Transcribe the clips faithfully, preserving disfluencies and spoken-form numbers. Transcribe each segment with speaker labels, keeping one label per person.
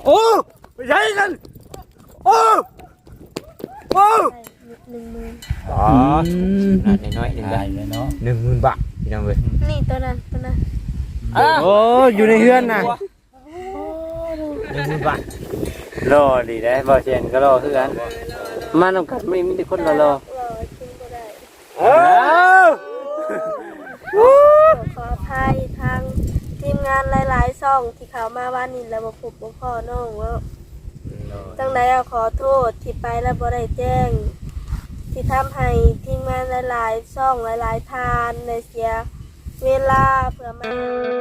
Speaker 1: โอ้ไม่ใช่นั่นโอ้โอ้
Speaker 2: หนึ่งหมื่น
Speaker 1: อ๋อนั่นน้อยๆหนึ่งได้เลยเนาะหนึ่งหมื่นบาทพี่น้องเว้ย
Speaker 2: นี่ตัวนั้นตัวนั้น
Speaker 1: โอ้อยู่ในเฮือนน่ะหนึ่งหมื่นบาทรอดีได้บ่เชียนก็รอคือกันมาน้ำกัดไม่มีแต่คนรอรอเออ
Speaker 2: ขออภัยทางทีมงานหลายๆช่องที่เขามาวันนี้แล้วบ่พบบ่พอน้องว่าจังได๋ขอโทษที่ไปแล้วบ่ได้แจ้งที่ทำให้ทีมงานหลายๆช่องหลายๆทานในเสียเวลาเพื่อมา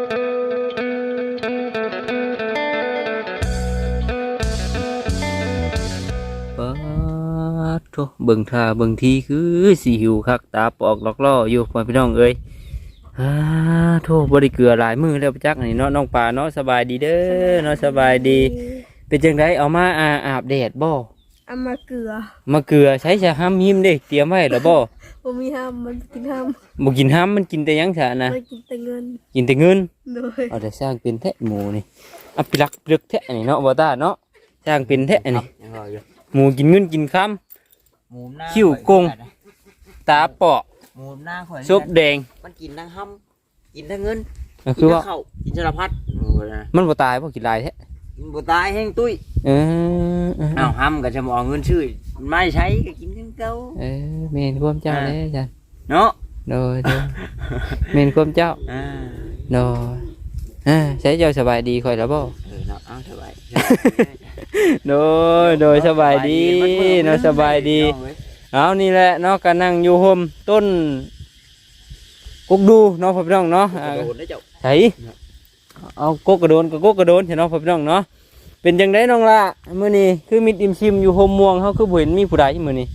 Speaker 1: ปะโธ่เบิ่งท่าเบิ่งทีคือสิหิวคักตาปอกลอกล่ออยู่พ่อพี่น้องเอ้ยอ่าโธ่บ่ได้เกลือหลายมื้อแล้วจักนี่เนาะน้องปลาเนาะสบายดีเด้อเนาะสบายดีเป็นจังไดเอามาอาอาบแดดบ่
Speaker 2: เอามาเกลือ
Speaker 1: มาเกลือใช้ชะห้ำหิมเด้เตรียมไว้แล้วบ่
Speaker 2: บ่มีห้ามมันกินห้าม
Speaker 1: บ่กินห้ำมันกินแต่หยังซะนะ
Speaker 2: มันกินแต่เงิน
Speaker 1: กินแต่เงิน
Speaker 2: โดย
Speaker 1: เอาแต่สร้างเป็นแท้หมูนี่อ่ะปิลักปลึกแท้นี่เนาะบ่ตาเนาะสร้างเป็นแท้นี่หมูกินเงินกินค่ำหมูหน้าคิ้วกงตาเปาะหมูหน้าข่อยซุปแดง
Speaker 3: มันกินทั้งห้ำกินทั้งเงิน
Speaker 1: คือว่า
Speaker 3: กินสารพัด
Speaker 1: มันบ่ตายบ่กินลายแท้
Speaker 3: บ่ตายแห้งตุ้ย
Speaker 1: เออ
Speaker 3: อ้าวห้ำก็จะมองเงินชื่อไม่ใช้ก็กินทั้งเก่า
Speaker 1: เออเมนความเจ้าเลยจ้ะ
Speaker 3: เนาะ
Speaker 1: โดยโดยเมนความเจ้าโดยอ่าใช้เจ้าสบายดีค่อยแล้วบ่
Speaker 3: เออเนาะเอาสบาย
Speaker 1: โดยโดยสบายดีเนาะสบายดีเอานี่แหละเนาะก็นั่งอยู่ห่มต้นกุกดูเนาะพ่อพี่น้องเนาะใช่เอากกกระโดนกับกกกระโดนเนาะพ่อพี่น้องเนาะเป็นจังไดน้องละมื้อนี้คือมิดอิมซิมอยู่ห่มม่วงเฮาคือบ่เห็นมีผู้ใดมื้อนี้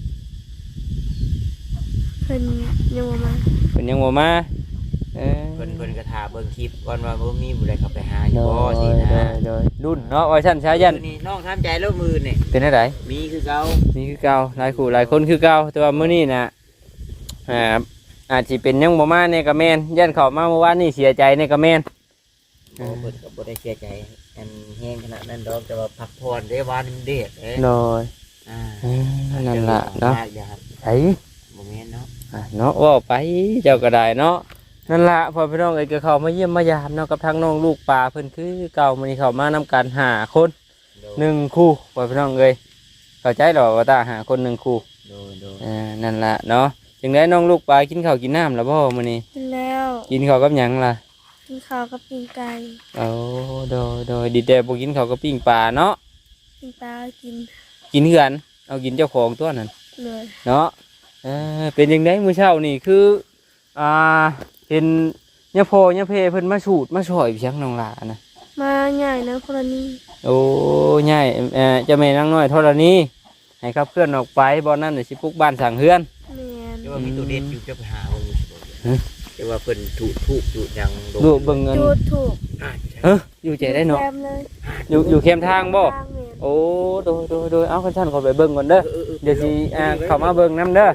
Speaker 2: เพิ่นยังบ่มา
Speaker 1: เพิ่นยังบ่มาเออ
Speaker 3: เพิ่นเพิ่นก็ท่าเบิ่งคลิปก่อนว่าบ่มีผู้ใดเข้าไปหาอยู่บ่สินะ
Speaker 1: โดยรุ่นเนาะว่าซั่นชายัน
Speaker 3: นี่น้องทำใจแล้วมือนี่
Speaker 1: เป็นจังได
Speaker 3: มีคือเก่า
Speaker 1: มีคือเก่าหลายคู่หลายคนคือเก่าแต่ว่ามื้อนี้น่ะอ่าอาจสิเป็นยังบ่มาเนี่ยก็แม่นยันเข้ามาเมื่อวานนี้เสียใจเนี่ยก็แม่น
Speaker 3: บ่เพิ่นก็บ่ได้เสียใจอันแห้งขนาดนั้นดอกแต่ว่าพักผ่อนได้วานมันเด็ดเอ้ย
Speaker 1: น้อยอ่านั่นล่ะเนาะไอ้
Speaker 3: บ่แม่นเนาะ
Speaker 1: อ่าเนาะว่าไปเจ้าก็ได้เนาะนั่นล่ะพอพี่น้องเอ้ยก็เข้ามาเยี่ยมมายามเนาะกับทางน้องลูกปลาเพิ่นคือเก่ามื้อนี้เข้ามานํกันห้าคนหนึ่งคู่พอพี่น้องเอ้ยเข้าใจหรอว่าตาหาคนหนึ่งคู่
Speaker 3: โดยโดย
Speaker 1: อ่านั่นล่ะเนาะจังได๋น้องลูกปลากินข้าวกินน้ำแล้วบ่มื้อนี้
Speaker 2: กินแล้ว
Speaker 1: กินข้าวกับหยังล่ะ
Speaker 2: กินข้าวกับปิ้งไก่
Speaker 1: โอ้โดยโดยดีแต่บ่กินข้าวกับปิ้งปลาเนาะ
Speaker 2: ปิ้งปลากิน
Speaker 1: กินเหือนเอากินเจ้าของตัวนั้น
Speaker 2: เลย
Speaker 1: เนาะเออเป็นจังได๋มื้อเช้านี่คืออ่าเห็นยะโพยะเพเพิ่นมาสูดมาช่วยพี่ชังน้องหลานะ
Speaker 2: มาใหญ่นะธรณี
Speaker 1: โอ้ใหญ่เอ่อเจ้าแม่นางน้อยธรณีให้ขับเคลื่อนออกไปบ่นั้นน่ะสิปลุกบ้านสร้างเฮือน
Speaker 2: แม่น
Speaker 3: แต่ว่ามีตัวเด็ดอยู่จะไปหาบ่อยู่แต่ว่าเพิ่นถูกถูกจุดหยัง
Speaker 1: ดูเบิ่งเงิน
Speaker 2: จุดถูก
Speaker 1: เฮ้ออยู่ใจได้เนาะอยู่อยู่เข้มทางบ่โอ้โดยโดยโดยเอาคันท่านขอไปเบิ่งก่อนเด้อเดี๋ยวสิอ่าเข้ามาเบิ่งนำเด้อ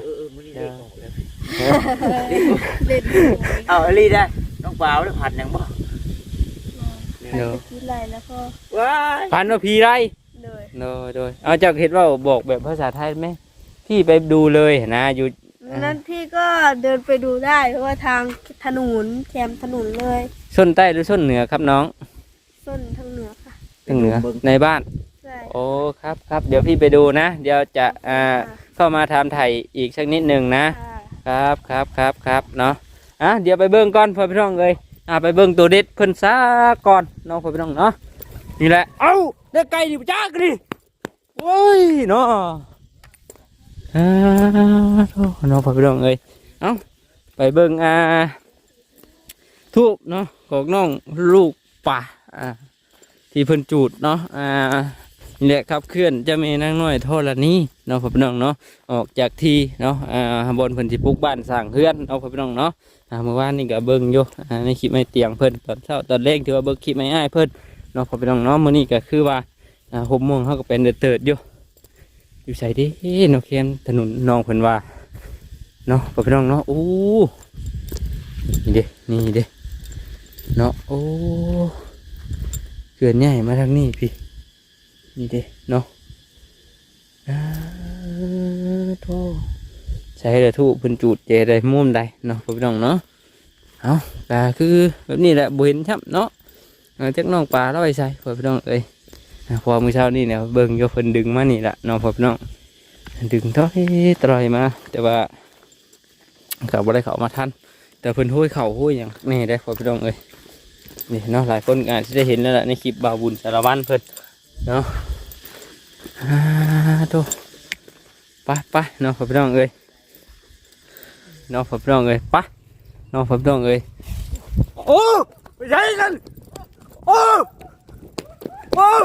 Speaker 3: เอาอลีได้น้องเปล่าแล้วผัดยังบ่
Speaker 2: เดี๋ยวพีไรแล้วก็
Speaker 3: ว้า
Speaker 1: พันว่าพีไร
Speaker 2: เลย
Speaker 1: โดยโดยเอาจากเห็นว่าบอกแบบภาษาไทยไหมพี่ไปดูเลยนะอยู่
Speaker 2: นั้นพี่ก็เดินไปดูได้เพราะว่าทางถนนแคมถนนเลย
Speaker 1: ส้นใต้หรือส้นเหนือครับน้อง
Speaker 2: ส้นทางเหนือค่ะ
Speaker 1: ทางเหนือในบ้านโอ้ครับครับเดี๋ยวพี่ไปดูนะเดี๋ยวจะอ่าเข้ามาทำไถ่อีกสักนิดหนึ่งนะครับครับครับครับเนาะอ่ะเดี๋ยวไปเบิ้งก่อนพ่อพี่น้องเลยอ่ะไปเบิ้งตัวเด็ดเพิ่นซะก่อนน้องพ่อพี่น้องเนาะนี่แหละเอ้าได้ไก่ดิจ้ากันดิโอ้ยเนาะอ่าน้องพ่อพี่น้องเลยเอ้าไปเบิ้งอ่าทูบเนาะของน้องลูกป่าอ่าที่เพิ่นจูดเนาะอ่านี่แหละครับเคลื่อนจะมีนางน้อยโทษละนี้เนาะพ่อพี่น้องเนาะออกจากที่เนาะอ่าบนเพิ่นสิปลูกบ้านสร้างเฮือนเนาะพ่อพี่น้องเนาะอ่าเมื่อวานนี่ก็เบิ่งอยู่อ่าในคลิปไม่เตียงเพิ่นตอนเช้าตอนแรกที่ว่าเบิ่งคลิปไม่อ้ายเพิ่นเนาะพ่อพี่น้องเนาะมื้อนี้ก็คือว่าอ่าหกโมงเฮาก็เป็นเดือดเติดอยู่อยู่ไสดิเนาะเขียนถนนน้องเพิ่นว่าเนาะพ่อพี่น้องเนาะโอ้นี่เด้นี่เด้เนาะโอ้เกินใหญ่มาทางนี้พี่นี่เด้เนาะอ่าโธ่ใช้เด้อทุเพิ่นจูดเจได้มุมใดเนาะพี่น้องเนาะเอาก็คือแบบนี้แหละบ่เห็นช้ำเนาะเออจักน้องปลาเราไปใส่พี่น้องเอ้ยพอมื้อเช้านี่เนี่ยเบิ่งอยู่เพิ่นดึงมานี่ล่ะเนาะพี่น้องดึงถอยตรอยมาแต่ว่าก็บ่ได้เข้ามาทันแต่เพิ่นห้อยเข่าห้อยหยังนี่ได้พี่น้องเอ้ยนี่เนาะหลายคนอาจจะได้เห็นแล้วล่ะในคลิปบ่าวบุญสารวัตรเพิ่นเนาะอ่าโตไปไปเนาะพี่น้องเอ้ยเนาะพี่น้องเอ้ยไปเนาะพี่น้องเอ้ยโอ้ไปใช่กันโอ้โอ้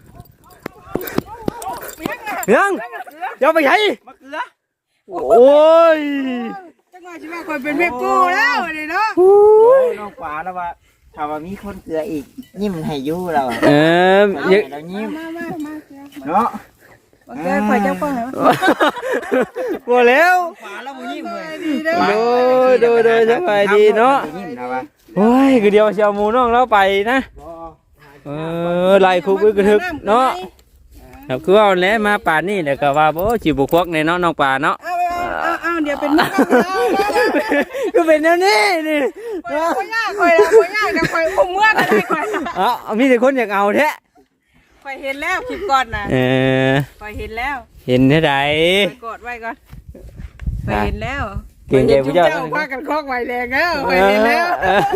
Speaker 1: ยังยังไปใช่มะเขือโอ้ย
Speaker 4: จังหวะชีวิตคนเป็นแม่กูแล้วนี่เนาะ
Speaker 3: น้องฟ้าแล้วว่าถ้าว่ามีคนเกลืออีกยิ้มให้อยู่เรา
Speaker 1: เออยัง
Speaker 3: เรายิ้ม
Speaker 4: มามามา
Speaker 3: เนาะ
Speaker 4: โอเคข่อยจังป้องเหรอ
Speaker 1: หมดแล้ว
Speaker 3: ฟ้าแล้วบ่ยิ้มเลย
Speaker 1: โดยโดยโดยสบายดีเนาะ
Speaker 3: ยิ้มนะวะ
Speaker 1: โอ้ยคือเดียวเชียวหมูน้องเราไปนะเออไล่คุกกระทึกเนาะครับคือว่าแล้วมาป่านนี่แหละก็ว่าโอ้จิบุควักในเนาะน้องป่าเนาะ
Speaker 4: เอาเอาเอาเดี๋ยวเป็นมุก
Speaker 1: ก็เป็นแนวนี้นี่
Speaker 4: ข่อยยากข่อยละข่อยยากกับข่อยอุ้มเมื่อก็ได้ข่อย
Speaker 1: อ๋อมีแต่คนอยากเอาแท้
Speaker 4: ข่อยเห็นแล้วคลิปก่อนนะ
Speaker 1: เออ
Speaker 4: ข่อยเห็นแล้ว
Speaker 1: เห็นเท่าไหร่
Speaker 4: ข่อยกดไว้ก่อนข่อยเห็นแล้ว
Speaker 1: เก่งใจผู้เจ้า
Speaker 4: พากันคอกไว้แรงแล้วข่อยเห็นแล้ว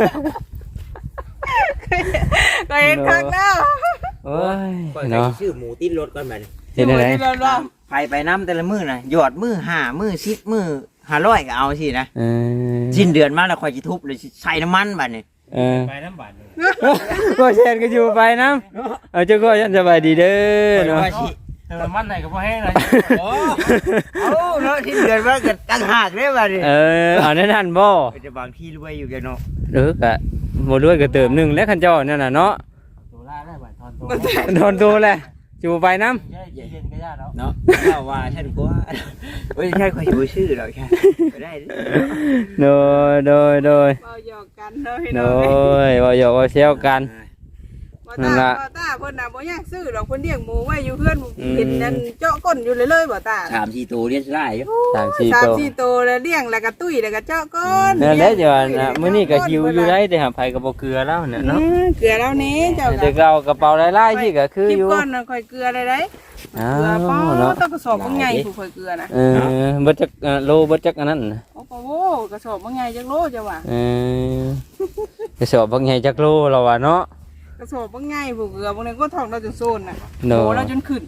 Speaker 4: ข่อยเห็นครั้งแล้ว
Speaker 1: โอ้ย
Speaker 3: ก่อน
Speaker 1: เนาะ
Speaker 3: ชื่อหมูติ้นรถก่อนบัด
Speaker 1: เห็นอะไร
Speaker 3: ไปไปน้ำแต่ละมื้อน่ะหยอดมื้อห้ามื้อสิบมื้อห้าร้อยก็เอาสินะ
Speaker 1: เออ
Speaker 3: สิ้นเดือนมาแล้วค่อยสิทุบเลยใส่น้ำมันบัดนี้
Speaker 1: เออไปน้ำบาดก็เชนก็อยู่ไปน้ำเอาเจ้าก็ยันสบายดีเด้อเนาะ
Speaker 3: ว่าสิ
Speaker 5: น้ำมันไหนก็พอให้เลย
Speaker 3: โอ้เอาเนาะสิ้นเดือนมาก็ตั้งหากเด้บัดนี้
Speaker 1: เออเอาแน่นั่นบ่
Speaker 3: จะบางที่รวยอยู่แกเนาะ
Speaker 1: เออกะบ่ด้วยก็เติมหนึงแล้วคันเจ้านั่นน่ะเนาะ
Speaker 5: ตัวล่าได้บ่ทอนตัว
Speaker 1: โดนตัวแหละอยู่ไปน้
Speaker 5: เย็นเย็นก็ยากแล้ว
Speaker 3: เนาะถ้าว่าฉันกลัวเฮ้ยใช่ค่อยบ่ชื่อดอกแค่ไปได้เด้อ
Speaker 1: ำโดยโดยโดย
Speaker 4: เบาหยอกกันเนาะพี่
Speaker 1: โด
Speaker 4: น้อง
Speaker 1: ยว่าหยอกว่าเซลกัน
Speaker 4: บ่
Speaker 1: นั่น
Speaker 4: ตา
Speaker 1: ล่ะ
Speaker 4: บ่ตาเพิ่นน่ะบ่อยากซื้อดอกเพิ่นเลี้ยงหมูไว้อยู่เพื่อนเห็นนั่นเจาะก้นอยู่เลยเลยบ่ตา
Speaker 3: สามสี่ตัวเรียนได้อยู่
Speaker 1: สามสี่
Speaker 4: สาม
Speaker 1: ตัว
Speaker 4: สี่ตัวแล้วเลี้ยงแล้วก็ตุ้ยแล้วก็เจาะก้น
Speaker 1: นั่นแหละจ้ะนะมื้อนี้ก็หิวอยู่ได้แต่หาไผก็บ่เกลือแล้วเนี่ยเนาะ
Speaker 4: อืมเกลือแล้วนี้เจ้า
Speaker 1: แต่เรากระเป๋าหลายๆที่ก็คือ
Speaker 4: คลิป
Speaker 1: อยู่
Speaker 4: ก่อนน่ะค่อยเกลือได้ได้
Speaker 1: อ้า
Speaker 4: เกลือป้อ
Speaker 1: วเนาะ
Speaker 4: ต้องกระสอบบ่ใหญ่ผู้ค่อยเกลือนะ
Speaker 1: เออบ่จักอ่าโลบ่จักอันนั้นน่ะ
Speaker 4: โอ้โหกระสอบบ่ใหญ่จักโลจ้ะว่า
Speaker 1: เออไปสอบบักใหญ่จักโลแล้วว่าเนาะ
Speaker 4: กระสอบบ่ใหญ่ผู้เกลือบางทีก็ท้องเราจนโซนน่ะ
Speaker 1: เนาะ
Speaker 4: โตเราจนขึ้น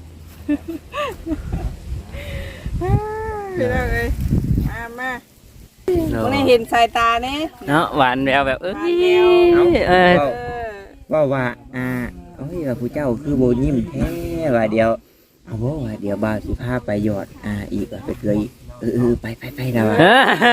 Speaker 4: พี่น้องเอ้ยมามา
Speaker 1: เนาะ
Speaker 4: บ่ได้เห็นสายตาแน่
Speaker 1: เนาะหวานแววแบบเอ้ย
Speaker 4: หวานแวว
Speaker 1: เออ
Speaker 4: เออ
Speaker 3: ว่าว่าอ่าโอ้ยว่าผู้เจ้าคือโบยิ้มแท้ว่าเดียวเอาบ่ว่าเดี๋ยวบ่าวสิพาไปหยอดอ่าอีกว่าไปเกลืออีกเออเออไปไปไปนะว่า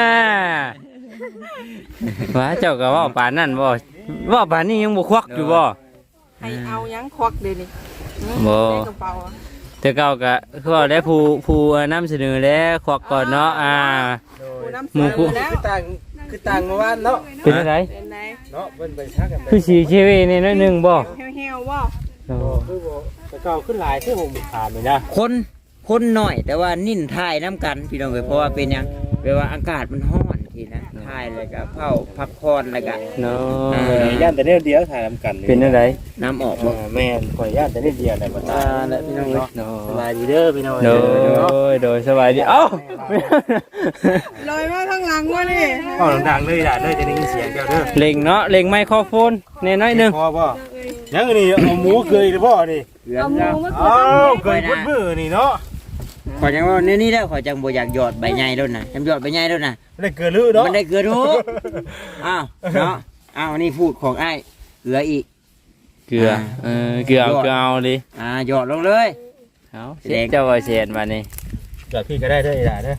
Speaker 1: ว่าเจ้าก็เว่าป่านนั่นบ่เว่าป่านนี้ยังบ่ควักอยู่บ่
Speaker 4: ให้เอาหยังควักเดี๋ยวนี้อืม
Speaker 1: บ่
Speaker 4: ในกระเป๋าอะ
Speaker 1: แต่เก่าก็คือว่าได้ผู้ผู้นำเสนอแล้วควักก่อนเนาะอ่า
Speaker 4: ผู้นำ
Speaker 1: หมู่
Speaker 4: เสน
Speaker 1: ผู้
Speaker 4: อแล้ว
Speaker 5: คือต่างคือต่างเมื่อวานเนาะ
Speaker 1: เป็นอะไร
Speaker 4: เป็นไง
Speaker 5: เนาะเป็นไปชักกันไป
Speaker 1: คือสีชีวิตนี่น้อยหนึงบ่
Speaker 4: เหี่ยวๆบ่
Speaker 5: คือบ่แต่เก่าขึ้นหลายที่ผมขาดเลยนะ
Speaker 3: คนคนหน่อยแต่ว่านิ่นทายน้ำกันพี่น้องเอ้ยเพราะว่าเป็นหยังแปลว่าอากาศมันร้อนทีนะทายแล้วก็เผาพักผ่อนแล้วก็
Speaker 1: เนาะ
Speaker 5: ย่านแต่เนี่ยเดียวถ่ายทำกัน
Speaker 1: เป็นอะไร
Speaker 3: น้ำออกบ่
Speaker 5: แม่นข่อยย่านแต่เนี่ยเดียวในบ้าน
Speaker 1: อ่าและพี่น้องเนาะ
Speaker 5: สบายดีเด้อพี่น้อง
Speaker 1: โดยโดยสบายดีเอ้า
Speaker 4: ลอยมาข้างหลังวะนี่
Speaker 5: อ๋อดังๆเลยล่ะเด้อจะได้ยินเสียงเจ้าเด้อ
Speaker 1: เล็งเนาะเล็งไมโครโฟนแน่น้อยหนึง
Speaker 5: พอบ่ยังนี่เอาหมูเกยหรือบ่นี่
Speaker 3: เกลือ
Speaker 4: เอาหมู
Speaker 3: จ้า
Speaker 4: มา
Speaker 5: อ้าวเกยพุ่นมือนี่เนาะ
Speaker 3: ขอยจังว่าเนี่ยนี่แล้วขอยจังบ่อยากหยอดใบใหญ่แล้วนะจำหยอดใบใหญ่แล้วนะ
Speaker 5: ได้เกลือลือเนาะ
Speaker 3: มันได้เกลือทุกอ้าวเนาะอ้าวนี่พูดของไอ้ายเกลืออีก
Speaker 1: เกลือเออเกลือเอาเกลือเอาดิ
Speaker 3: อ่าหยอดลงเลย
Speaker 1: เอาเสียเจ้าว่าเสียนมานี่
Speaker 5: เกลือพี่ก็ได้เด้ออีหล่าเด้อ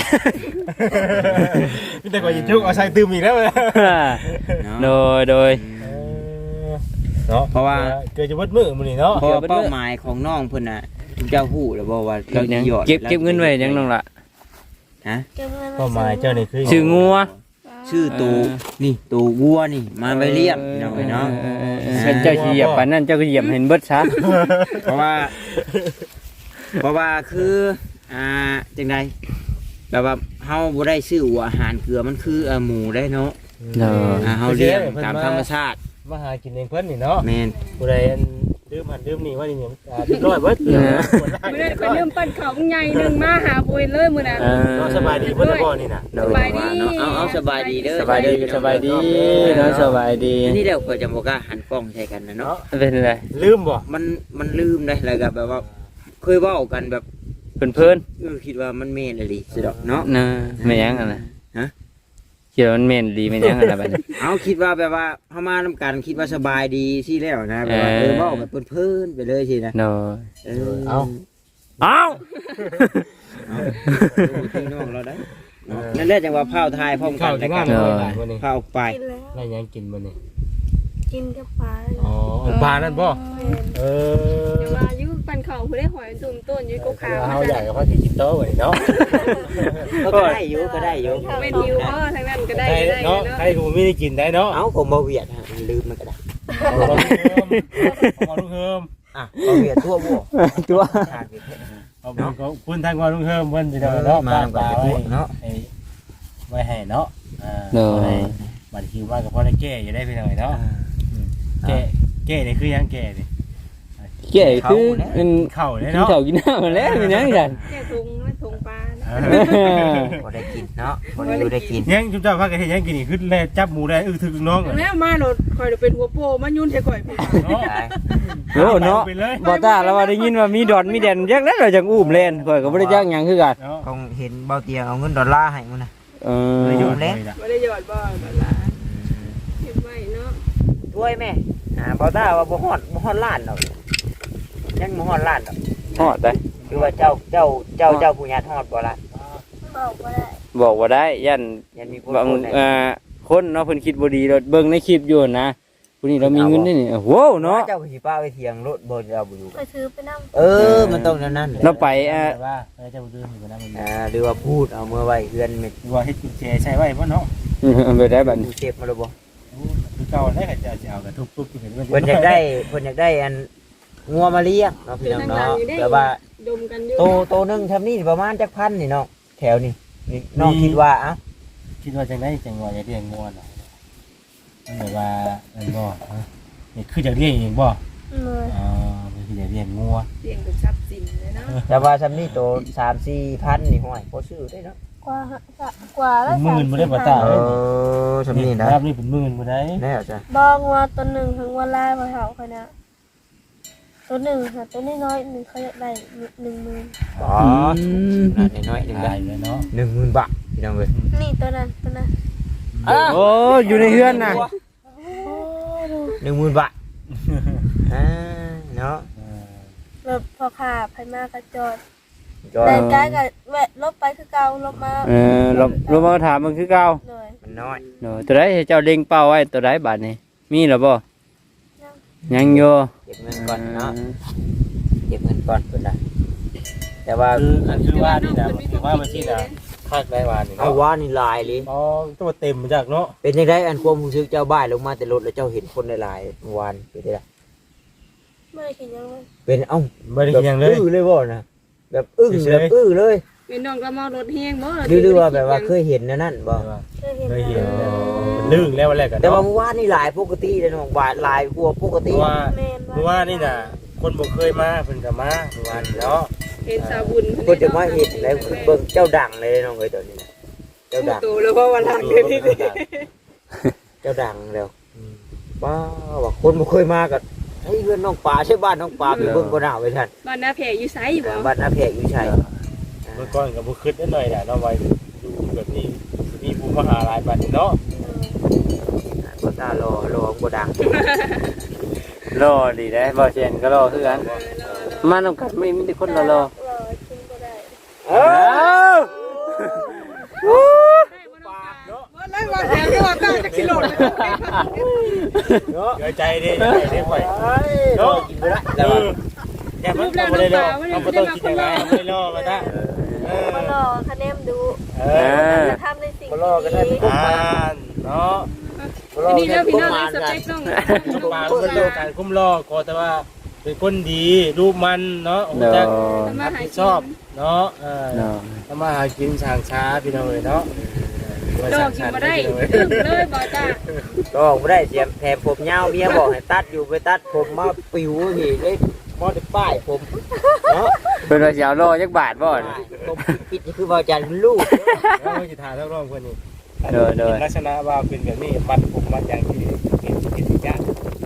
Speaker 5: พี่แต่ก่อนยินจุกเอาใส่ตืมอีกแล้ว
Speaker 1: โดยโดย
Speaker 5: เนาะ
Speaker 3: เพราะว่า
Speaker 5: เกลือจะวัดมือมื้อนี้เนาะ
Speaker 3: เพราะว่าเป้าหมายของน้องเพิ่นน่ะทุกเจ้าฮู้แล้วบ่ว่า
Speaker 1: เก็บยัง
Speaker 3: หยอด
Speaker 1: เก็บเก็บเงินไว้ยังน้องละ
Speaker 3: ฮะ
Speaker 2: เก็บเงิน
Speaker 5: เป้าหมายเจ้านี่คือ
Speaker 1: ชื่องัว
Speaker 3: ชื่อตูนี่ตูวัวนี่มาไปเลี้ยงน้องเอ้ยเนาะ
Speaker 1: เออเออเอเพิ่นเจ้าสิเหยียบปานนั้นเจ้าก็เหยียบเห็นเบิดซะ
Speaker 3: เพราะว่า เพราะว่าคืออ่าจังไดแบบว่าเฮาบ่ได้ซื้อหัวอาหารเกลือมันคือเอ่อหมูได้เนาะ
Speaker 1: เนาะ
Speaker 3: อ่าเฮาเลี้ยงตามธรรมชาติ
Speaker 5: มาหากินเองเพิ่นนี่เนาะ
Speaker 3: แม่น
Speaker 5: ผู้ใดอันดื่มหันดื่มนี่ว่านี่เนี่ยอ่าเรียบร้อยเบิด
Speaker 1: เออ
Speaker 4: มื้อนั้นก็ลืมปั้นข้าวใหญ่นึงมาหาปุ้ยเลยมื้อนั้น
Speaker 1: เออ
Speaker 5: เนาะสบายดีเพิ่นละบ่นี่น่ะ
Speaker 4: สบายดี
Speaker 3: เนาะเอาเอาสบายดีเด้อ
Speaker 1: สบายดีสบายดีเนาะสบายดี
Speaker 3: อันนี่เดี๋ยวก็จะบอกว่าหันกล้องใส่กันนะเนาะ
Speaker 1: เป็นไร
Speaker 5: ลืมบ่
Speaker 3: มันมันลืมได้แล้วก็แบบว่าเคยเว้ากันแบบ
Speaker 1: เพิ่นเพิ่น
Speaker 3: เออคิดว่ามันแม่นอีหลีสิดอกเนาะ
Speaker 1: นะแม่นยังอ่ะนะ
Speaker 3: ฮะ
Speaker 1: คิดว่ามันแม่นดีแม่นยังอ่ะนะบัดนี้
Speaker 3: เอาคิดว่าแบบว่าเฮามานํกันคิดว่าสบายดีสิแล้วนะแบบว่า
Speaker 1: เออ
Speaker 3: เออเว้าแบบเพิ่นๆไปเลยสินะ
Speaker 1: เนาะ
Speaker 3: เออ
Speaker 5: เอา
Speaker 1: เอ้า
Speaker 3: ดูพี่น้องเราได้เนาะนั่นแหละจังว่าพาวทายพร้อมกั
Speaker 5: ข้าน ว
Speaker 3: แต่
Speaker 5: ที่
Speaker 3: กั
Speaker 5: บ้าน นมื้อนี้มื้อนี้
Speaker 3: พาวไป
Speaker 2: กินแล้ว
Speaker 5: ได้หยังกินมื้อนี้
Speaker 2: กินกับปลา
Speaker 5: อ๋อเอาปลานั่นบ่
Speaker 2: แม่น
Speaker 5: เออ
Speaker 4: เดี๋ยวว่าอยู่ปั้นข้าวผู้ได้หอยตุ่มต้นอยู่กกขาว
Speaker 5: เฮาใหญ่ก็พอสิกินโตไว้เนาะ
Speaker 3: ก็ได้อยู่ก็ได้อยู่
Speaker 4: แม่นหิวบ่ทางนั้นก็ได้
Speaker 5: ได้
Speaker 4: ได้
Speaker 5: เนาะ
Speaker 4: เนาะ
Speaker 5: ใครก็บ่มีได้กินได้เนาะ
Speaker 3: เอาผมบ่เวียดฮะมันลืมมันก็ได้
Speaker 5: เอาลูกเฮิมเอาลูกเฮิม
Speaker 3: อ่ะบ่เวียดทั่วบ่
Speaker 1: ตัว
Speaker 3: ขาดเวียด
Speaker 5: เอาบุญก็คุณทางว่าลุงเฮิมเพิ่นสิเนาะเนาะ
Speaker 3: มาก่อนไปพวกเนาะ
Speaker 5: ไอ้ไว้ให้เนาะอ่า
Speaker 1: เนาะ
Speaker 5: บัดคิวว่าก็พอได้แก้อยู่ได้พี่น้อยเนาะแก้แก้นี่คือหยังแก้นี่
Speaker 1: แก่คือมัน
Speaker 5: เข้าได้
Speaker 1: กิน
Speaker 5: เนาะ
Speaker 1: ข้าวกินน้ำมาแล้วแม่นยังกัน
Speaker 4: แค่ถุงและถุงปลานะ
Speaker 3: บ่ได้กินเนาะบ่ได้อยู่ได้กิน
Speaker 5: ยังจุ๊บจ้าพากันเฮ็ดหยังกินนี่คือแลจับหมูได้อึถึกน้อง
Speaker 4: แล้วมาโลดข่อยเป็นหัวโปมายุ่นใส่ข่อยพี่
Speaker 5: เนาะ
Speaker 1: โอ้เนาะบ่ตาแล้วว่าได้ยินว่ามีดอนมีแดนจักนั้นเราจังอุ้มเล่นข่อยก็บ่ได้จักหยังคือกัน
Speaker 5: เนาะ
Speaker 3: คงเห็นเบาเตียเอาเงินดอลลาร์ให้มันนะ
Speaker 1: เอ
Speaker 3: เออ
Speaker 1: อ
Speaker 3: อยู่เล่น
Speaker 4: บ่ได้หยอดบ่บัดล่ะเก็บไว้เนาะ
Speaker 3: ด้วยแม่อ่าเบาตาว่าบ่ฮอดบ่ฮอดล้านดอกยังบ่ฮอดล้านดอก
Speaker 1: ฮอดได้
Speaker 3: คือว่าเจ้าเจ้าเจ้าเจ้าผู้ญาติฮอดบ่ล่ะ
Speaker 2: บอกว่าได้
Speaker 1: บอกว่าได้ยัน
Speaker 3: ยันมีคน
Speaker 1: บาง
Speaker 3: พูดได้
Speaker 1: อ่าคนเนาะเพิ่นคิดบ่ดีเราเบิ่งในคลิปอยู่นะผู้นี้เรามีเงินนี่นี่โอ้โหเนาะ
Speaker 3: เจ้าสิป้าไปเถียงรถบ่เอาบ่อยู่
Speaker 2: ไปซื้อไปนั่ง
Speaker 3: เออมันต้องนั่นนั่นแหละ
Speaker 1: เราไปอ่า
Speaker 5: ว่าเออเจ้าดื้ออยู่นะมัน
Speaker 3: อ่าหรือว่าพูดเอาเมื่อไว้เฮือนเม็ด
Speaker 5: ว่าเฮ็ดกุญแจใช้ไว้บ่เนาะ
Speaker 1: เอาไปได้บัดนี้
Speaker 3: ดูเจ็บมาแล้วบ่
Speaker 5: คือเก่าได้ก็จะเอากระทุบๆเห็นมัน
Speaker 3: เพิ่นอยากได้เพิ่นอยากได้อันงัวมาเลี้ยงเนาะพี่น้องเนาะแต่ว่า
Speaker 4: ดมกันอยู่
Speaker 3: โตโตหนึงทำนี่ประมาณจักพันนี่เนาะแถวนี้นี่น้องคิดว่าเอ้า
Speaker 5: คิดว่าจังได๋จังว่าจะเลี้ยงงัวเนาะมันแบบว่าอันบ่นี่คือจะเลี้ยงเองบ่
Speaker 2: เลย
Speaker 5: อ๋อมันคือจะเลี้ยงงัว
Speaker 4: เลี้ยงเป็นทรัพย์สินเลยเนาะ
Speaker 3: แต่ว่าทำนี่โตสามสี่พันนี่ห้อยพอซื้อได้เนาะ
Speaker 2: กว่าฮะกว่าแล้ว
Speaker 5: หมื่นบ่ได้บ่ตา
Speaker 3: เออทำนี่นะ
Speaker 5: ครับนี่เป็นหมื่นบ่ได้
Speaker 3: แน่จ้ะ
Speaker 2: บองว่าตัวหนึ่งถึงวันลายมาเห่าเขาเนี่ยตัวหนึ่งค่ะตัวน้อยๆหนึ่งเขาอยากได้หนึ่งหมื่น
Speaker 3: อ๋อน่าน้อยๆหนึ่ง
Speaker 5: ได้
Speaker 3: ได้
Speaker 5: เลยเนาะ
Speaker 3: หนึ่งหมื่นบาทพี่น้องเว้ย
Speaker 2: นี่ตัวนั้นตัวนั้น
Speaker 1: โอ้อยู่ในเฮือนน่ะ
Speaker 2: โอ้ดู
Speaker 3: หนึ่งหมื่นบาทอ่าเนาะ
Speaker 2: รถพอขาไยมากระจอด
Speaker 3: จอย
Speaker 2: แต่กายกับแวะลบไปคือเก่าลบมา
Speaker 1: เออเราเรามาถามมันคือเก่า
Speaker 2: เลย
Speaker 3: มันน้อย
Speaker 1: เนาะตัวใดให้เจ้าเล็งเป้าไว้ตัวใดบัดนี้มีหรือบ่ยังอยู่
Speaker 3: เก็บเงินก่อนเนาะเก็บเงินก่อนเพิ่นน่ะแต่ว่า
Speaker 5: คืออันคือว่านี่นะคือว่ามันที่นะคาดได้ว่านี่
Speaker 3: เอา
Speaker 5: เนาะ
Speaker 3: ว่านี่ลายเลย
Speaker 5: อ๋อตัวเต็มมาจากเนาะ
Speaker 3: เป็นยังไงอันความรู้สึกเจ้าบ้านลงมาแต่รถแล้วเจ้าเห็นคนหลายๆเมื่อวานเป็นไงล่ะ
Speaker 2: ไม่ได้คิดยังไง
Speaker 3: เป็นเอ้า
Speaker 5: ไม่ได้กินอย่างเลย
Speaker 3: อื้อเลยบ่นะแบบอึ้ง
Speaker 5: เฉยๆ
Speaker 3: แบบอื้อเลย
Speaker 4: เป็นน้องก็มารถแห้งบ่
Speaker 3: หรือหรือว่าแบบว่าเคยเห็นแนวนั่นบ่
Speaker 2: เคยเห็น
Speaker 5: เคยเห็น
Speaker 2: แล้ว
Speaker 5: ลื่นแล้ววันแรกกัน
Speaker 3: แต่ว่า
Speaker 5: เนาะ
Speaker 3: เมื่อวานนี่หลายปกติเลยน้องบาทหลายกว่าปก
Speaker 5: เพ
Speaker 3: ติ
Speaker 5: ราะว่า
Speaker 2: แมน
Speaker 5: เมื่อวานนี่น่ะคนบ่เคยมาเพิ่นก็มาเมื่อวานเนาะ
Speaker 4: เห็นสาบุญ
Speaker 3: เพิ่นจะมาเห็นแล้วเบิ่งเจ้าดังเลยน้องเอ้ยตอนนี้นะเจ้าดัง
Speaker 4: โตแล้วว่าวันหลังเดี๋ยวนี้
Speaker 3: เจ้าดังแล้วว้าวว่าคนบ่เคยมาก็เฮ้ยเพื่อนน้องปลาใช่บ้านน้องปลาไปเบิ่งบ่น่าไว้ท่าน
Speaker 4: บ้านนาแพรอยู่ไสบ่
Speaker 3: บ้านอาเพกอยู่ชัย
Speaker 5: เมื่อก่อนก็บ่คิดได้หน่อยแหละเนาะไว้ดูแบบนี้มีผู้มาหาหลายบัดเนาะ
Speaker 3: ก็ตารอรอบ่ดัง
Speaker 1: รอดีได้บ่เชียนก็รอคือกันมานำกันไม่มีแต่คนรอรอ
Speaker 2: รอกินก็ได้
Speaker 3: เอ้า
Speaker 4: บ่ได้ว่าแพรก็ว่าตั้งจะกิโลเลย
Speaker 5: เนาะใจใจดิใจดิข่อย
Speaker 3: เนาะกินบ่ได้แล้วว่า
Speaker 5: แค่มันก็บ่ได้รอมันบ่ต้องคิดอย่างไรไม่ได้รอมาซะเออ
Speaker 2: มารอคะแนนดู
Speaker 5: เออ
Speaker 2: จะทำในสิ่ง
Speaker 3: บ่รอก็ได้
Speaker 2: ที่
Speaker 3: ปุ๊บ
Speaker 5: อ่า
Speaker 3: มา
Speaker 5: เนาะ
Speaker 4: อันนี้เด้อพี่น้องในสเปคน้อง
Speaker 5: ปลาเป็นโลกการคุ้มรอก็แต่ว่าเป็นคนดีรูปมันเนาะ
Speaker 1: เนาะ
Speaker 5: จะรับผิดชอบเนาะเออ
Speaker 1: เนาะ
Speaker 5: ทำมาหากินช่างช้าพี่น้องเลยเนาะ
Speaker 4: ดอกกินมาได้ตึ้งเลยบ่จ้า
Speaker 3: ก็บ่ได้เสียมแถมผมยาวเมียบอกให้ตัดอยู่ไปตัดผมมาปิวพี่ได้บ่ได้ป้ายผมเนาะ
Speaker 1: เป็นว่าสิเอารอจักบาทบ่
Speaker 3: ผมปิดนี่คือบ่จันลูก
Speaker 5: แล้วก็จะถ่ายทั้งรอบคนนี้
Speaker 1: เด้อเด้อ
Speaker 5: ลักษณะว่าเป็นแบบนี้มัดผมมัดอย่างที่เป็นเป็นยาก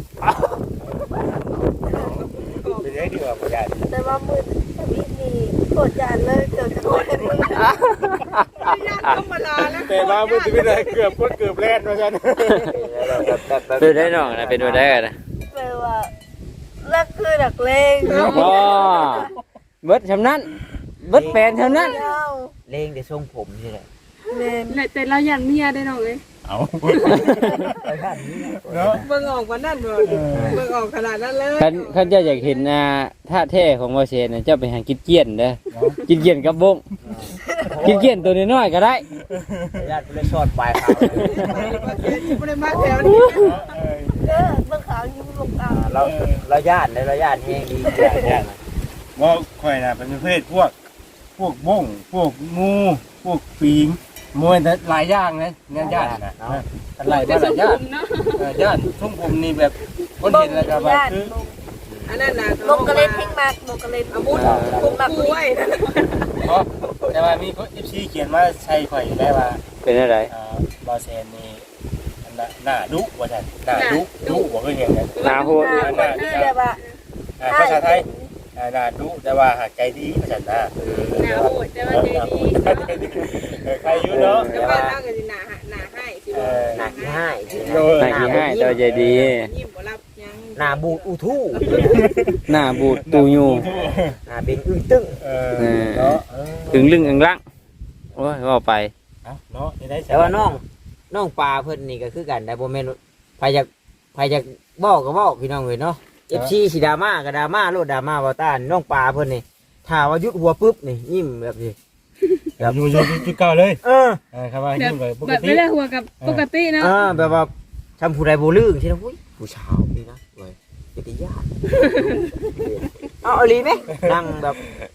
Speaker 5: เป็นได้ดีกว่าบ่ได้
Speaker 2: แต่ว่ามือทวิตนี่โคตรยานเลยเกือบจะโคตรมือ
Speaker 4: ญาติธรรมดาแล้ว
Speaker 5: แต่ว่ามันจะเป็นอะไรเกือบก็เกือบแล่นว่าซั่น
Speaker 1: เป็นได้น้องนะเป็นบ่ได้นะ
Speaker 2: แปลว่าเลิกคือดักเลง
Speaker 1: บ่เบิดชำนั้นเบิดแปลนชำนั้น
Speaker 2: เจ้า
Speaker 3: เลงแต่ทรงผมนี่แหละ
Speaker 2: เล่น
Speaker 4: แต่เรายันเมียได้น้องเลย
Speaker 5: เอา
Speaker 3: ไปบ้านนี้
Speaker 5: เนาะ
Speaker 4: เบิ่งออกว่านั่นบ่เบิ่งออกขนาดนั้นเลย
Speaker 1: คันคันเจ้าอยากเห็นอ่าท่าแท้ของบ่เซนน่ะเจ้าไปหากินเกี้ยนเด้อกินเกี้ยนกับบงกินเกี้ยนตัวน้อยๆก็ได้
Speaker 3: ญาติเลยชอดปลายขาว
Speaker 4: บ่ได้มาแถวนี้
Speaker 2: เด้อเบิ่งขาวอยู่ลงตา
Speaker 3: เราเราญาติเลยเราญาติแห้งดี
Speaker 5: ว่าข่อยน่ะเป็นประเภทพวกพวกบ้งพวกงูพวกปิงมวยแต่หลายอย่างนะเนี่ยญาติน่ะหลายบ้านหลายญาติ
Speaker 4: เนาะ
Speaker 5: เออญาติช่วงผมนี่แบบคนเห็นแล้วก็แบบคือ
Speaker 4: อันนั้นน่ะ
Speaker 2: ลงกระเล่นเพ่งมากลงกระเล่น
Speaker 4: อาวุธคุมมักไว้นะ
Speaker 5: เพราะแต่ว่ามีคนเอฟซีเขียนว่าใช่ข่อยได้ว่า
Speaker 1: เป็นอะไร
Speaker 5: อ่าบอเซนนี่อันน่ะหน้าดุว่าท่านหน้าดุดุว่าเคยเห็นกัน
Speaker 1: หน้าโหด
Speaker 2: หน้าคนที่แบบว่า
Speaker 5: อ่าภาษาไทยอ่าหน้าดุแต่ว่าหากใจดีภาษาหน้า
Speaker 4: หน้าโหดแต่ว่าใจดี
Speaker 5: เออใครอยู่เนาะ
Speaker 4: แต่ว่าตั้งก็สิหน้าหน้าให้สิ
Speaker 5: เอ
Speaker 4: บ่
Speaker 5: อ
Speaker 3: หนักที่ให้
Speaker 1: หน้าขี้ให้ตัวใจดี
Speaker 4: ยิ้มบ่รับยัง
Speaker 3: หน้าบูดอูทู่
Speaker 1: หน้าบูดตูยู
Speaker 3: หน้าเป็นอึ้งตึ้ง
Speaker 5: เออเนาะเออ
Speaker 1: ถึงลึงอังลังโอ้ยว่าไป
Speaker 5: เอาเนาะนี่ได้
Speaker 3: แต่ว่าน้องน้องปลาเพิ่นนี่ก็คือกันแต่บ่แม่นไผอยากไผอยากบอกก็บอกพี่น้องเว้ยเนาะ เอฟ ซี สิดราม่าก็ดราม่าโลดดราม่าบ่ต้านน้องปลาเพิ่นนี่ถ้าว่ายุดหัวปุ๊บนี่ยิ้มแบบนี้
Speaker 5: แบบอยู่อยู่จุดเก่าเลย
Speaker 3: เออ
Speaker 5: เออครับว่า
Speaker 4: แบบ
Speaker 5: ยิ้มไปปก
Speaker 4: แบบ
Speaker 5: ติ
Speaker 4: ไม่ได้หัวกับปกติเนาะ
Speaker 3: อ่าแบบว่าทำผู้ใดบ่ลืมใช่ไหมอุ้ยผู้ชาวนี่นะเว้ยเป็นญาติเอาเอาลีไหมนั่งแบบ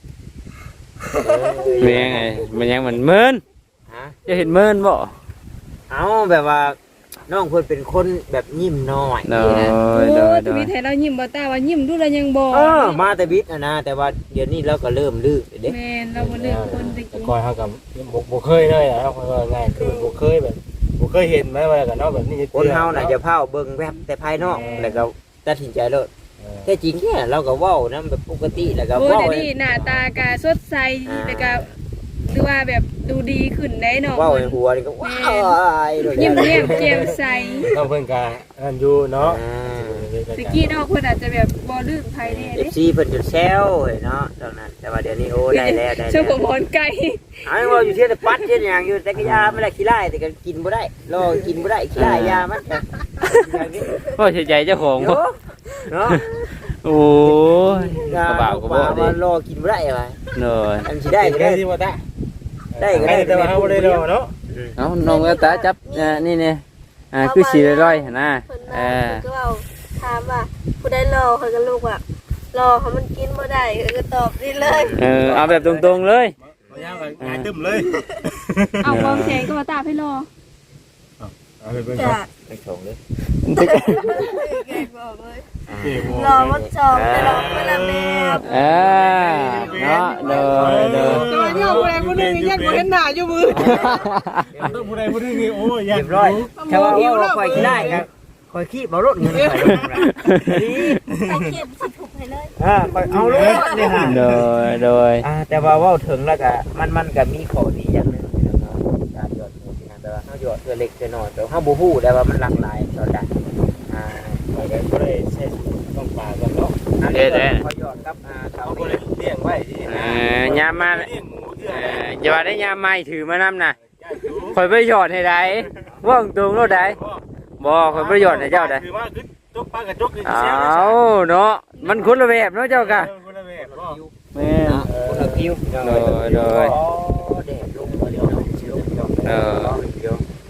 Speaker 1: มันยังไงมันยังมันเมิน
Speaker 3: ฮะ
Speaker 1: จะเห็นเมินบ่
Speaker 3: เอาแบบว่าน้องเพิ่นเป็นคนแบบยิ้มน้อย
Speaker 1: โด
Speaker 4: นี่
Speaker 1: ย
Speaker 4: นะ
Speaker 1: โด
Speaker 4: โอ้
Speaker 1: ย
Speaker 4: ท
Speaker 1: โด
Speaker 4: วี
Speaker 1: ย
Speaker 4: ตให้เรายิ้มบ่ตาว่ายิ้มดูแล้วยังบ่
Speaker 3: เออมาแต่บิดนะนะแต่ว่าเดี๋ยวนี้เราก็เริ่มลืมเด้
Speaker 4: แม่นเราบ่เลือกคนตะ
Speaker 5: แต่
Speaker 4: กี้
Speaker 5: ก่อนเขากับบ่บ่เคยเลยนะครับเขาก็ง่ายคือบ่เคยแบบบ่เคยเห็นไหมว่ากันเนาะแบบนี้
Speaker 3: คนเฮาน่ะจะเผาเบิ่งแวบแต่ภายนอกแล้วก็ตัดสินใจเลย
Speaker 5: เออ
Speaker 3: แต่จริงเนี่ยเราก็เว้านํแบบปกติแล้วก็
Speaker 4: โอ้
Speaker 3: เว้า
Speaker 4: เดี๋ยวนี้หน้าตาก็สดใสแล้วก็หรือว่าแบบดูดีขึ้นได้เนาะ
Speaker 3: เว้าในหัวนี่ก็ว้ายโดด
Speaker 4: ยิ้ม
Speaker 3: แล้ว
Speaker 4: แย้มแจ่มใส
Speaker 5: ต้องเพิ่นกาอันอยู่เนาะ
Speaker 3: อ่า
Speaker 4: ตะกี้เนาะเพิ่นอาจจะแบบบ่ลืมไผแน่
Speaker 3: เอ
Speaker 4: เด้
Speaker 3: ฟซีเพิ่นจนแซวเฮ้ยเนาะตอนนั้นแต่ว่าเดี๋ยวนี้โอ้ได้แล้วได้
Speaker 4: ช่วง
Speaker 3: แล้ว
Speaker 4: ผมพรไก่
Speaker 3: อันนี้ว่าอยู่เที่ยวแต่ปัดเที่ยวอย่างอยู่แต่ก็ยาไม่ได้ขี้ไล่แต่ก็กินบ่ได้รอกินบ่ได้ขี้ไล่ยามันก็อย่างนี้
Speaker 1: ก็เสียใจเจ้าของ
Speaker 3: เนาะเนาะ
Speaker 1: โอ้ยกระบ่าวกระบอกดิ
Speaker 3: ว่ารอกินบ่ได้อะไร
Speaker 1: เนย
Speaker 3: อันสิได้ก็
Speaker 5: ได้
Speaker 3: ได้
Speaker 5: ที่ว่าตา
Speaker 3: ได้ก็ได้
Speaker 5: แต่ว่าเฮาบ่ได้รอเนาะ
Speaker 1: เอาน้องกระตาจับอ่านี่เนี่ยอ่าคือสีร้อยๆหั่นนะ
Speaker 2: เพิ่น
Speaker 1: เอ
Speaker 2: มา
Speaker 1: อ
Speaker 2: เพิ่นก็เอาถามว่าผู้ใดรอเพิ่นก็ลูกว่ารอเขามันกินบ่ได้เพิ่นก็ตอบนี่เลย
Speaker 1: เออเอาแบบตรงๆเลย
Speaker 5: บ่ยาวก็ง่ายตึ้มเลย
Speaker 4: เอาวางแขนก็มาตาให้รอ
Speaker 5: เอาไปเบิ่ง
Speaker 2: จ้ะ
Speaker 5: ครับ
Speaker 3: ไปชงเลย
Speaker 2: เก่งบอกเลย
Speaker 5: เอ้บ่
Speaker 2: รอมันจองแต่รอเวลาแม่
Speaker 1: เออเนาะเด้อเด้อ
Speaker 4: จอยเนี่ยผู้ใดผู้หนึงยังบ่เห็นหน้าอยู่มือ
Speaker 5: ต้องผู้ใดผู้หนึงนี่โอ้ยอยาก
Speaker 3: เรียบร้อยแค่ว่าว่าคอยขี้ได้ครับคอยขี้บ่รถเงินไปลงนะนี่
Speaker 2: ใส่เข็มสิถูกให้เลย
Speaker 3: อ่าคอยเอารถนี่ฮะ
Speaker 1: โดยโดย
Speaker 3: อ่าแต่ว่าเว้าถึงแล้วก็มันมันก็มีข้อดีอย่างหนึงนะครับการหยอดหมูที่นั่นแต่ว่าเฮาหยอดเพื่อเล็กเพื่อน้อยแต่เฮาบ่ฮู้ได้ว่ามันหลากหลายตอนใดอ่า
Speaker 5: ไปกันบ่ได้ใช้ต้องปลากันเนาะ
Speaker 3: อันนี้ก็พอหยอดกับอ่า
Speaker 5: เขา
Speaker 3: เขา
Speaker 5: บ่ได้เลี้ยงไว้ที่
Speaker 1: เอ
Speaker 5: นะ
Speaker 1: อยามมา
Speaker 5: เลี้ยงหมูเทื่อ
Speaker 1: เอ
Speaker 5: นะ
Speaker 1: ออย่าว่าได้ยามไม่ถือมานำน่ะ
Speaker 5: ญาติอยู่
Speaker 1: คอยไปหยอดให้ได้ว่องตรงโลดได้บ่คอยไปหยอดให้เจ้าได้
Speaker 5: คือว่าคือจกปลากระจกคือ
Speaker 1: เอ
Speaker 5: เสียง
Speaker 1: าเนาะมันคนละแบบเนาะเจ้ากะ
Speaker 5: คนละแบบบ่
Speaker 1: แม่น
Speaker 3: นะคนละคิว
Speaker 1: โดยโดย
Speaker 3: อ๋อแดดลงมาเดี๋ยวเนาะลงเดี๋ยว
Speaker 1: เออ
Speaker 3: เดี๋ยว
Speaker 5: เอา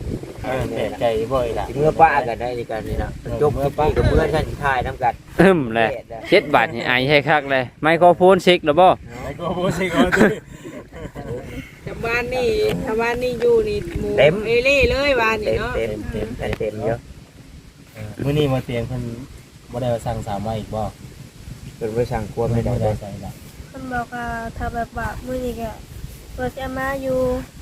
Speaker 5: แปลกใจบ่อยล่ะ
Speaker 3: สิเมื่อป้ากันได้ดีกันนี่นะจบเมื่อป้ากับเมื่อท่านสิทายน้ำกัน
Speaker 1: อึ้มเลยเจ็ดบาทนี่ไอให้คักเลยไมโครโฟนซิกหรือบ่
Speaker 5: แล้วก็บ่สิก็ตื้อ
Speaker 4: แต่บ้านนี่ถ้าบ้านนี่อยู่นี่หมูเอเล่เลยบ้านนี่
Speaker 3: เต็ม
Speaker 4: เนาะ
Speaker 3: เต็มเต็มเต็มเต็มเยอะ
Speaker 5: มื้อนี้มาเตียงเพิ่นบ่ได้สั่งสามมาอีกบ่
Speaker 3: เป็นบริษัทควรไม่ได้
Speaker 5: ได้
Speaker 3: ได้
Speaker 5: ใส่ละ
Speaker 2: เพิ่นบอกว่าถ้าแบบว่ามื้อนี้ก็เพิ่นจะมาอยู่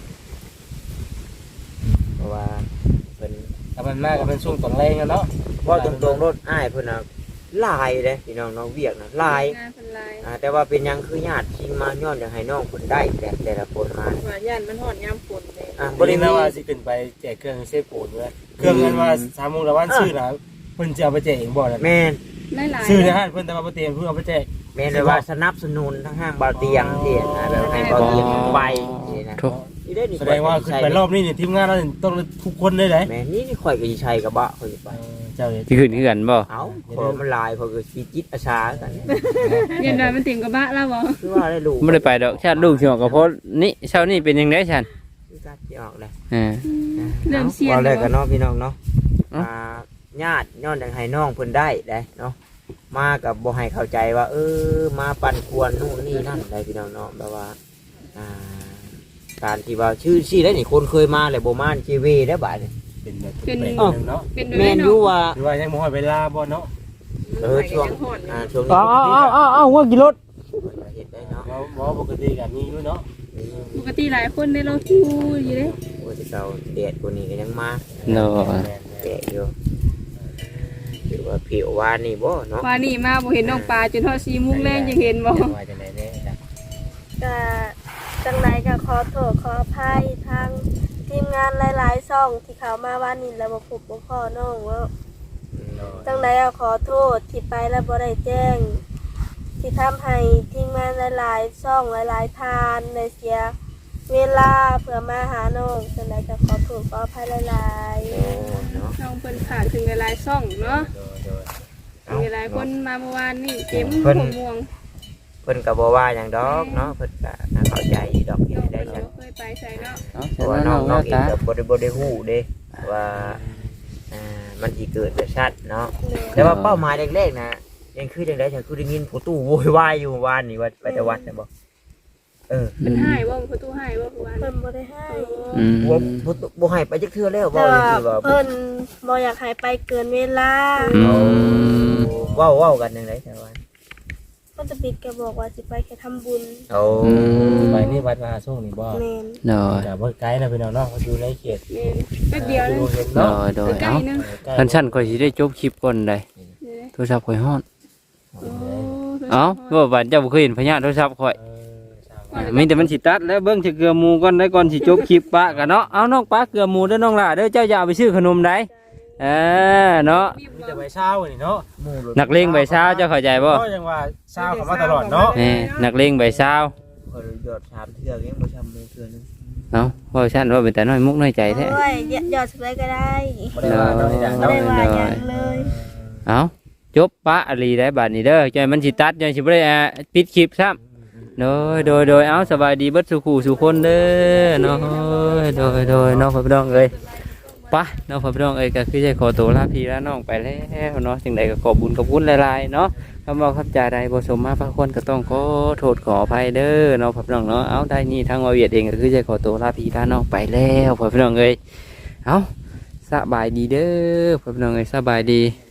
Speaker 3: เพราะว่าเป็น
Speaker 5: ถ้ามันมาก็เป็นช่วงตอนแรงอะเนาะ
Speaker 3: ว่าตรงๆรถอ้ายเพิ่นน่ะลายเลยพี่น้องน้องเวียกน่ะลาย
Speaker 4: งานเป็นลาย
Speaker 3: อ่าแต่ว่าเป็นหยังคือญาติชิงมาย้อนอยากให้น้องเพิ่นได้แต่แต่ละคนมา
Speaker 4: ว่าย่านมันหอดยามฝนเลย
Speaker 3: อ่า
Speaker 5: บ่
Speaker 3: บ่
Speaker 5: ได้
Speaker 3: ได้
Speaker 5: นะ
Speaker 3: มี
Speaker 5: ว่าสิขึ้นไปแจกเครื่องเซฟปูนเด้อเครื่องนั้นว่าสามโมงละวันซื้อน่ะเพิ่นจะเอาไปแจกเองบ่ล่ะ
Speaker 3: แม่น
Speaker 4: หลายๆ
Speaker 5: ซื้อในห้างเพิ่นแต่ว่าบ่เตียงเพิ่นเอาไปแจก
Speaker 3: แม่นเลยว่าสนับสนุนทั้งห้างเบาเตียงที่นะแบบให้เบาเตียงไปนี่นะ
Speaker 1: ทุก
Speaker 3: นี่ได้นี่
Speaker 5: แสดงว่าขึ้นไปรอบนี้นี่ทีมงานเราต้องทุกคนเลยเด้
Speaker 3: แม่นี่นี่ข่อยก็สิใช้กระบะข่อยสิไป
Speaker 5: เจ้าเฮ็ด
Speaker 1: ที่ขึ้นคือกันบ่
Speaker 3: เอ้าขอมันลายข่อยก็สิจิตอาสากัน
Speaker 4: เย็นหน่อยมันติ่มกับบ้าแล้วบ่
Speaker 3: คือว่าได้ลูก
Speaker 1: ไม่ได้ไปดอกชาติลูกสิออกกับพ่อนี่เช้านี่เป็นยังไงฉัน
Speaker 3: คือการสิออกเลย
Speaker 1: อ่า
Speaker 4: เริ่มเสียน
Speaker 3: อาเลยกันเนาะพี่น้องเนาะ
Speaker 1: เอ้า
Speaker 3: อ่าญาติย้อนอยากให้น้องเพิ่นได้ได้เนาะมากับบ่ให้เข้าใจว่า เออมาปั่นควรนู่นนี่นั่นได้พี่น้องเนาะแบบว่าอ่าการที่ว่าชื่อชื่อได้นี่คนเคยมาเลยบ่มาชีวีได้บ่าดนี่
Speaker 5: เป็นแบบเป็นแบบเนาะ
Speaker 4: เป็น
Speaker 3: แม่นอยู่ว่า
Speaker 5: หรือว่ายังบ่ฮอดเวลาบ่เนาะ
Speaker 3: เออช่วงอ่าช่วงนี้
Speaker 1: อ้าวอ้าวอ้าวอ้าวว่ากี่รถ
Speaker 3: เห็นได้เนาะ
Speaker 5: บ่บ่ปกติก็มีอยู่เนาะ
Speaker 4: ปกติหลายคนได้เราคิวอยู่เลย
Speaker 3: โอ้ยเจ้าเดดกว่านี้ก็ยังมา
Speaker 1: เนาะ
Speaker 3: แก่อยู่หรือว่าผิววานนี่บ่เนาะ
Speaker 4: ว่านี่มาบ่เห็นน้องปลาจนทอดซีมุ้งแรงยังเห็นบ่
Speaker 5: ว่าจังได๋แน่จ้ะ
Speaker 2: ก็จังไดก็ขอโทษขออภัยทางทีมงานหลายๆช่องที่เขามาว่านี่แล้วบ่พบบ่พ้อน้องว่าจังไดก็ขอโทษที่ไปแล้วบ่ได้แจ้ง ที่ทำให้ทีมงานหลายๆช่องหลายๆทานได้เสียเวลาเพื่อมาหาน้องจังไดก็ขอโทษขออภัยหลายๆ
Speaker 3: โอ้เนาะ
Speaker 4: น้องเพิ่นขาดถึงหลายๆซ่องเนาะมีหลายคนมาเมื่อวานนี่เต็มหัวม่วง
Speaker 3: เพิ่นก็บ่ว่าหยังดอกเนาะเพิ่นก็น่าเข้าใจดอกที่
Speaker 4: น้อง
Speaker 3: ได้
Speaker 4: เพิ่น
Speaker 3: จัง
Speaker 4: บ่เคยไปใส่เนาะ
Speaker 1: เอา
Speaker 3: เพ
Speaker 1: เสร็จ
Speaker 3: ราะว่า
Speaker 1: แล้ว
Speaker 3: น้
Speaker 1: น้
Speaker 3: อ
Speaker 1: อง ง
Speaker 3: น้อง
Speaker 1: เนาะ
Speaker 3: เอง
Speaker 1: ตา
Speaker 3: ก็บ่ได้บ่ได้ฮู้เด้ว่าอ่ามันสิเกิดแบบชัดเนาะแต่ว่าเป้าหมายแรกๆนะยังคือจังได๋ฉันคือได้ยินผู้ตู้โวยวายอยู่เมื่อวานนี่ว่าไปแต่วัดน่ะบ่เออ
Speaker 4: เพิ่นให้บ่ประตูให้บ่เมื่อวาน
Speaker 2: เพิ่นบ่ได้ให้
Speaker 1: อืม
Speaker 3: บ่บ่บ่ให้ไปจักเทื่อแล้ว
Speaker 2: แต่
Speaker 3: เว้า
Speaker 2: ว่า
Speaker 3: จังซี่ว่า
Speaker 2: เพิ่นบ่อยากให้ไปเกินเวลา
Speaker 1: อืม
Speaker 3: เว้าเว้ากันจังได๋แต่ว่า
Speaker 2: เพิ่นจะปิดก็บอกว่าสิไปแค่ทำบุญ
Speaker 3: โอ้
Speaker 1: อืม
Speaker 5: ไปนี่วัดมหาช่วงนี่บ่
Speaker 2: แม่น
Speaker 1: เนาะ
Speaker 5: ก็บ่ไกลนะพี่น้องเนาะอยู่ในเขต
Speaker 4: แม่นแป๊บเดียวนึง
Speaker 5: ดูเห็น
Speaker 1: เนาะ
Speaker 5: เนาะ
Speaker 1: โดย
Speaker 4: ใกล้
Speaker 1: เอา
Speaker 4: ๆนึง
Speaker 1: ท่านชั้นก็สิได้จบคลิปก่อนได้โทรศัพท์ข่อยฮ้อน
Speaker 4: โอ้
Speaker 1: เอ้าว่าบ้านเจ้าบ่เคยเห็นพญาโทรศัพท์ข่อย
Speaker 5: เออสาว
Speaker 1: มีแต่มันสิตัดแล้วเบิ่งสิเกลือหมูก่อนได้ก่อนสิจบคลิปปะกันเนาะเอาน้องปะเกลือหมูเด้อน้องล่ะเด้อเจ้าอย่าเอาไปซื้อขนมได้เออเนาะ
Speaker 5: มีแต่ใบเช้านี่เนาะ
Speaker 3: หมู่รถ
Speaker 1: นักเลงใบเช้าเจ้าเข้าใจบ่
Speaker 5: ก็ยังว่าเช้าเข้ามาตลอดเนาะ
Speaker 1: นี่นักเลงใบเช้า
Speaker 3: ข่อยยอดสามเทื่อยังบ่ทำมือเทื่อนึง
Speaker 1: เนาะว่าฉันว่าเป็นแต่น้อยมุกน้อยใจแท้
Speaker 2: โอ้ยยอดสุดเลยก็ได้
Speaker 5: บ่ได้ว่าเนาะนี่จ้ะ
Speaker 2: บ่
Speaker 5: เนาะ
Speaker 2: ได้ว่าหยังเลย
Speaker 1: เอาจบปะอลีได้บาดนี้เด้อจอยมันสิตัดจอยสิบ่ได้อ่าปิดคลิปซ้ำโดยโดยโดยเอาสบายดีเบิดสุขูสุคนเด้อเนาะโดยโดยเนาะพ่อพี่น้องเอ้ยไปะเนาะพ่อพี่น้องเอ้ยก็คือจะขอตัวลาพี่ลาน้องไปแล้วเนาะจังใดก็ขอบุญขอบคุณหลายๆเนาะคำว่าครับจ่าใดบ่สมมาพระคนก็ต้องขอโทษขออภัยเด้อเนาะพ่อพี่น้องเนาะเอาได้นี่ทางวาเวียดเองก็คือจะขอตัวลาพี่ลาน้องไปแล้วพ่อพี่น้องเอ้ยเอาสบายดีเด้อพ่อพี่น้องเอ้ยสบายดี